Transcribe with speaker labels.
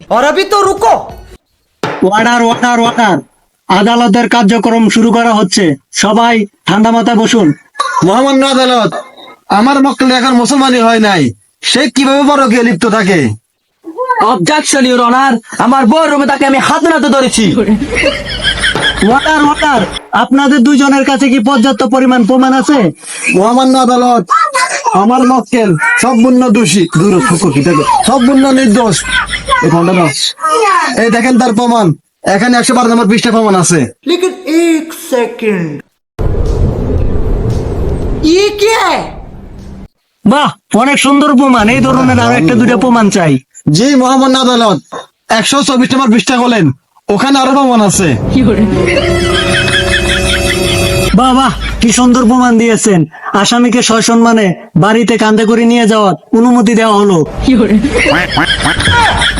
Speaker 1: और अभी तो रुको।
Speaker 2: অর্ডার অর্ডার অর্ডার, আদালতের কার্যক্রম শুরু করা হচ্ছে, সবাই ঠান্ডা মাথায় বসুন।
Speaker 3: মহামান্য আদালত, আমার মক্কেল এখন মুসলমানই হয় নাই, সে কিভাবে পরকীয়ায় লিপ্ত থাকে?
Speaker 1: অবজেকশন ইউর অনার, আমার বউর রুমে তাকে আমি হাতে নাতে ধরেছি।
Speaker 2: অর্ডার অর্ডার, আপনাদের দুজনের কাছে কি পর্যাপ্ত পরিমাণ প্রমাণ আছে?
Speaker 3: মহামান্য আদালত, আমার মক্কেল সম্পূর্ণ দোষী, সম্পূর্ণ নির্দোষ। এই ফোনটা দাও। এই দেখেন তার প্রমাণ, এখানে 112 নম্বর পৃষ্ঠা প্রমাণ আছে।
Speaker 1: लेकिन एक सेकंड, ये क्या है?
Speaker 2: বাহ, অনেক সুন্দর প্রমাণ। এই ধরনের আরো একটা দুটো প্রমাণ চাই।
Speaker 3: জি মহামান্য আদালত, 124 নম্বর পৃষ্ঠা বলেন, ওখানে আরো প্রমাণ আছে।
Speaker 2: বাহ বাহ, কি সুন্দর প্রমাণ দিয়েছেন। আসামিকে সসম্মানে বাড়িতে কাঁধে করে নিয়ে যাওয়ার অনুমতি দেওয়া হলো।